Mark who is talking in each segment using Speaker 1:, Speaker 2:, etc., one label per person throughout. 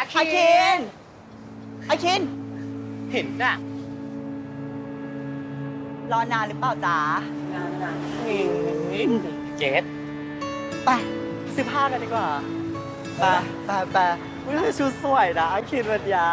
Speaker 1: อาคิน
Speaker 2: เห็นน่ะ
Speaker 1: รอนานหรือเปล่าจ๊ะ
Speaker 2: เกด
Speaker 1: ไปซื้อผ้ากันดีกว่าไปชุดสวยนะอาคินวันนี้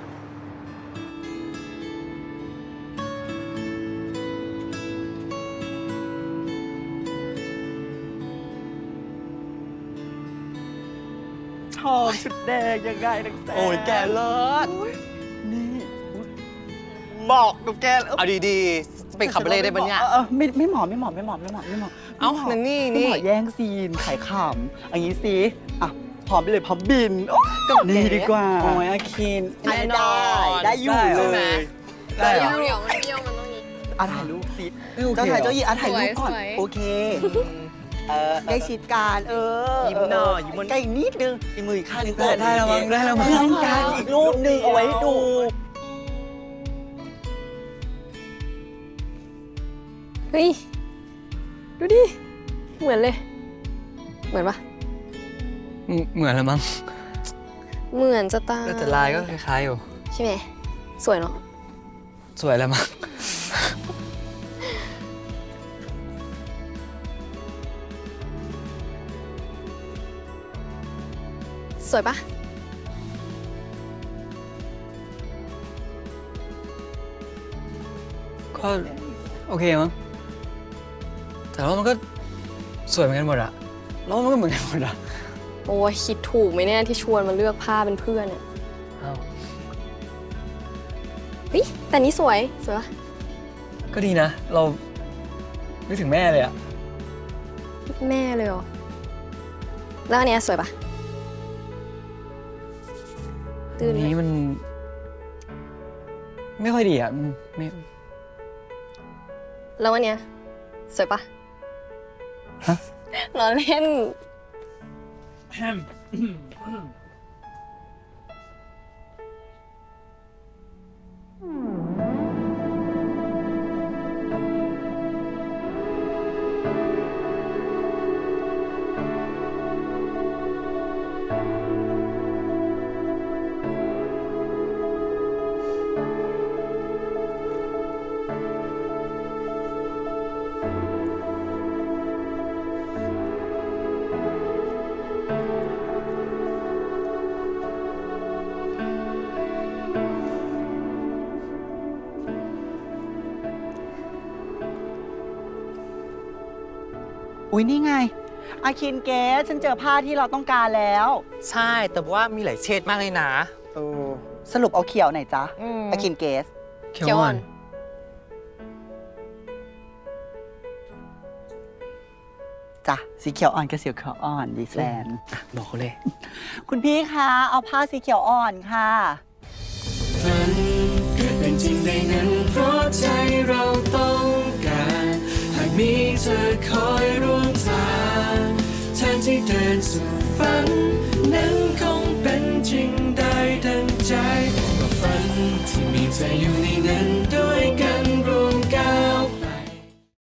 Speaker 1: ชอบชุดแดงยังไงนังแสโอ้ยแกเลิศนี่เหมาะกับแก
Speaker 2: เอาดีๆจะเป็นคาเบเล่ได้ปะเนี่ย
Speaker 1: ไม่เหมาะ
Speaker 2: เอ้านั่นนี่
Speaker 1: ไม่เหมาะแย่งซีนขายขำอย่างนี้สิอ่ะพร้อมไปเลยพร้อมบินก็นี่ดีกว่าโอ้ยอาคินได้อยู่เลย
Speaker 3: เดี๋ยวมันเบี้ยวมันต้องนี้
Speaker 1: ถ่ายรูปสิเจ้าถ่ายเจ้าหญิงถ่ายรูปก่อนโอเคใกล้ชิดกัน
Speaker 2: ยิ้มหน่อยยิ้ม
Speaker 1: ใกล้อีกนิดนึงอีกมืออีกข้างนึง
Speaker 2: ได้แล้วมั้ง
Speaker 1: เพื่อนกันอีกรูปนึงเอาไว้ดู
Speaker 3: เฮ้ยดูดิเหมือนเลยเหมือนปะ
Speaker 2: เหมือนแล้วมั้ง
Speaker 3: เหมือนจะตาย
Speaker 2: แต่ลายก็คล้ายๆอยู่
Speaker 3: ใช่ไหมสวยเนาะ
Speaker 2: สวยแล้วมั้ง
Speaker 3: สวยปะ
Speaker 2: ก็โอเคมั้งแต่ว่ามันก็สวยเหมือนกันหมดอะแล้วมันก็เหมือนกันหมดอะ
Speaker 3: โอ้ยคิดถูกไหมเนี่ยที่ชวนมาเลือกผ้าเป็นเพื่อนเนี่ยเฮ้ยแต่นี้สวยปะ
Speaker 2: ก็ดีนะเรานึกถึงแม่เลยอะ
Speaker 3: แม่เลยเหรอแล้วอันเนี้ยสวยปะ
Speaker 2: อันนี้มันไม่ค่อยดีอ่ะไม่
Speaker 3: แล้ววันเนี้ยสวยปะ
Speaker 2: ฮะ
Speaker 3: ล้อเล่น
Speaker 1: อุ้ยนี่ไงอาคินเกสฉันเจอผ้าที่เราต้องการแล้ว
Speaker 2: ใช่แต่ว่ามีหลายเฉดมากเลยนะ
Speaker 1: สรุปเอาเขียวไหนจ๊ะอาคินเกส
Speaker 2: เขียวอ่อน
Speaker 1: จ้ะสีเขียวอ่อนกับสีเขียวอ่อนดีแซน
Speaker 2: บอกเขาเลย
Speaker 1: คุณพี่คะเอาผ้าสีเขียวอ่อนค่ะ
Speaker 4: ฝันเกิดเป็นจริงได้นั้นเพราะใจเราต้องการหากมีเธอคอยร่วมทางทางที่เดินสู่ฝันนั้นคงเป็นจริงได้ดังใจก็ฝันที่มีเธออยู่ในนั้นด้วยกัน